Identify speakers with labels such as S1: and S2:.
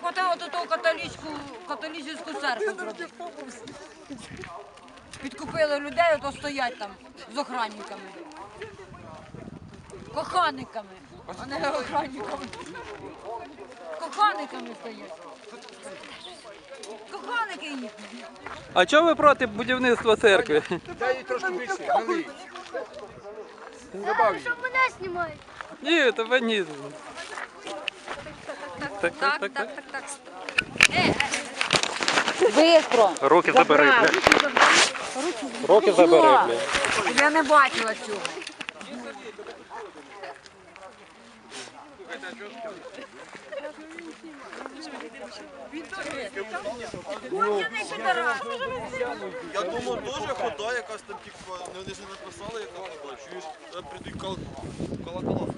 S1: хватило до того католицьку церкву зробити. Підкупили людей, ото стоять там з охранниками. Коханниками, а не охранниками. Коханниками стоять. Коханники їхні.
S2: А чого ви проти будівництва церкви?
S3: Дай їй трошки більше, налий. Добав їй.
S4: Що мене знімають?
S2: Ні, тебе ні.
S1: Так. Бистро.
S2: Руки забери, бля. Руки забери, бля.
S1: Я не бачила цього.
S5: Я думав, теж хода якась там, типу, вони ж не написали, яка хода. Чуєш, прийдуть колокола.